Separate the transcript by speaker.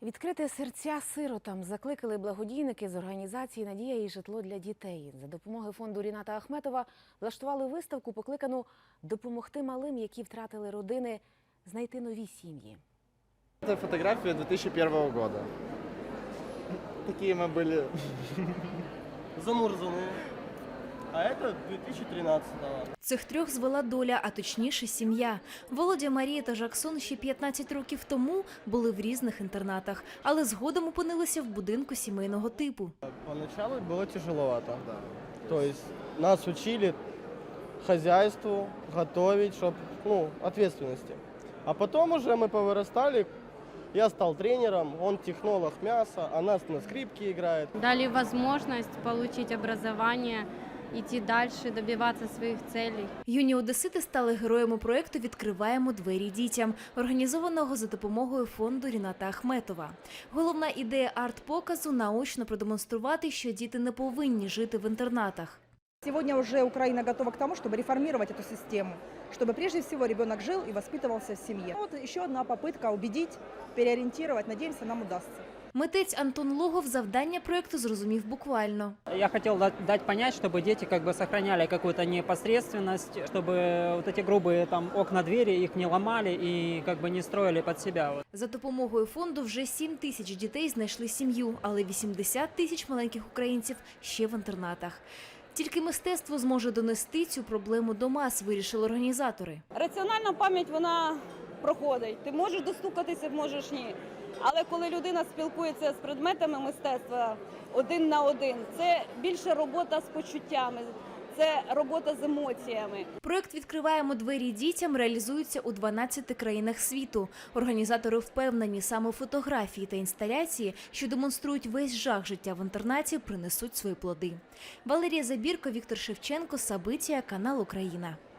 Speaker 1: Відкрити серця сиротам закликали благодійники з організації «Надія і житло для дітей». За допомогою фонду Ріната Ахметова влаштували виставку, покликану допомогти малим, які втратили родини, знайти нові сім'ї.
Speaker 2: Це фотографія 2001 року. Такі ми були
Speaker 3: замурзані. А це 2013-го.
Speaker 4: Цих трьох звела доля, а точніше сім'я. Володя, Марія та Жаксон ще 15 років тому були в різних інтернатах, але згодом опинилися в будинку сімейного типу.
Speaker 3: Поначалу було тяжеловато. Тобто нас учили хазяйству, готовить, щоб, ответственности. А потом уже мы повырастали, я стал тренером, он технолог мяса, она на скрипке играет.
Speaker 5: Дали возможность получить образование, идти дальше, добиваться своих целей.
Speaker 4: Юні одесити стали героями проєкту «Відкриваємо двері дітям», організованого за допомогою фонду Ріната Ахметова. Головна ідея арт-показу – наочно продемонструвати, що діти не повинні жити в інтернатах.
Speaker 6: Сегодня уже Украина готова к тому, чтобы реформировать эту систему, чтобы прежде всего ребенок жил и воспитывался в семье. Вот еще одна попытка убедить, переориентировать. Надеемся, нам удастся.
Speaker 4: Митець Антон Логов завдання проєкту зрозумів буквально.
Speaker 7: Я хотел дать понять, чтобы дети сохраняли какую-то непосредственность, чтобы вот эти грубые окна, двери их не ломали и не строили под себя.
Speaker 4: За допомогою фонду вже 7 тисяч дітей знайшли сім'ю, але 80 тисяч маленьких українців ще в інтернатах. Тільки мистецтво зможе донести цю проблему до мас, вирішили організатори.
Speaker 8: Раціональна пам'ять, вона проходить. Ти можеш достукатися, можеш ні. Але коли людина спілкується з предметами мистецтва один на один, це більше робота з почуттями, це робота з емоціями.
Speaker 4: Проєкт «Відкриваємо двері дітям» реалізується у 12 країнах світу. Організатори впевнені, саме фотографії та інсталяції, що демонструють весь жах життя в інтернаті, принесуть свої плоди. Валерія Забірко, Віктор Шевченко, Сабитія, канал Україна.